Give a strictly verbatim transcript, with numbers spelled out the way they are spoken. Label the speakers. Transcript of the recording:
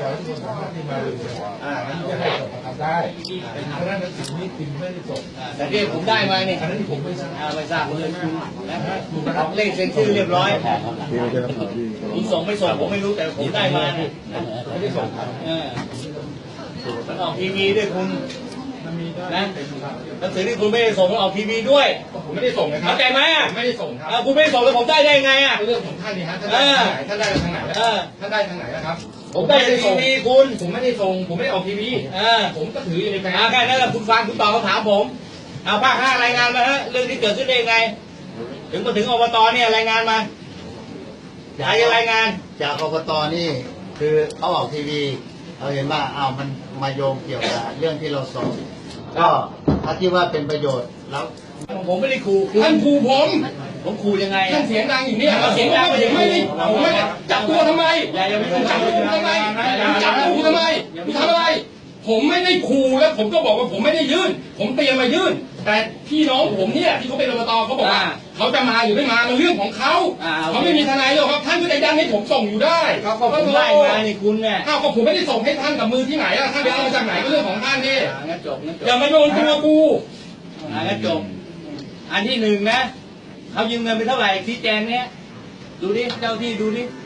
Speaker 1: ขอให้ทุกคนสามารถที่มาเร็วๆอ่าที่จะให้ส่งมาทำได้เพราะฉะนั้นสิ่งนี้พิมพ์ไม่ได้ส่ง
Speaker 2: แต่ที่ผมได้มาเนี่ย
Speaker 1: อันนั้นที่ผมไม่ทราบ
Speaker 2: ไม่ทราบเลยนะออกเลขเซ็นชื่อเรียบร้อยคุณส่งไม่ส่งผมไม่รู้แต่ผมได้มาเนี่ย
Speaker 1: ไม่ได้ส่งครับ
Speaker 2: มันออกทีวีด้วยคุณ
Speaker 1: มันมีได้
Speaker 2: นะหนังสือที่คุณไม่ได้ส่งมันออกทีวีด้วย
Speaker 1: ผมไม่ได้ส่งนะครับ
Speaker 2: เข้าใจไหมอ่ะ
Speaker 1: ไม่ได้ส่งครับ
Speaker 2: คุณไม่ได้ส่งแล้วผมได้ได้ไงอ่ะ
Speaker 1: เรื่องของท่านนี่ฮะท่านได้ทางไหนท่านได้ทางไหนท่านได้ทางไหนนะครับ
Speaker 2: ผมได้ทีวีคุณ
Speaker 1: ผมไม่ได้ส่งผมไม่ได้ออกทีวีผมก็ถืออยู่ในแฟ้ม
Speaker 2: แค่นั้นแหละคุณฟังคุณตอบคำถามผมเอาภาคห้ารายงานมาฮะเรื่องที่เกิดขึ้นได้ยังไงถึงมาถึงอบตเนี่ยรายงานมาใครจะรายงาน
Speaker 3: จากอบตนี่คือเขาออกทีวีเราเห็นว่าอ้าวมันมาโยงเกี่ยวกับเรื่องที่เราสอบก็ถ้าคิดว่าเป็นประโยชน์แล้ว
Speaker 2: ผมไม่ได้ขู่
Speaker 1: ท่านขู่ผม
Speaker 2: ผมขู่ยังไง
Speaker 1: ท่านเสียงดังอย่างนี้
Speaker 2: เสียงดัง
Speaker 1: ผมไม่ได้ผมไม่ได้จับตัวทำไม
Speaker 2: อย่าอย่าไม่ต้อง
Speaker 1: จับตัวทำไมจับตัวทำไมทำอะไรผมไม่ได้ขู่แล้วผมก็บอกว่าผมไม่ได้ยื่นผมเตรียมมายื่นแต่พี่น้องผมเนี่ยที่เขาเป็นอบตเขาบอกว่าเขาจะมาหรือไม่มาเป็นเรื่องของเขาเขาไม่มีทนายหรอกครับท่านก็จะยันให้ผมส่งอยู่ได้
Speaker 2: เขาก็ผมได้มาในคุณเนี่ย
Speaker 1: อ้าวก็ผมไม่ได้ส่งให้ท่านกับมือที่ไหนอะท่านไปเอามาจากไหนก็เรื่องของท่านนี่
Speaker 2: งั้นจบงั้นจบ
Speaker 1: อย่ามาโยนตัวกู
Speaker 2: งั้นจบอันที่หนึ่งนะเขายืมเงินไปเท่าไหร่ชี้แจงเนี้ยดูดิเจ้าที่ดูดิ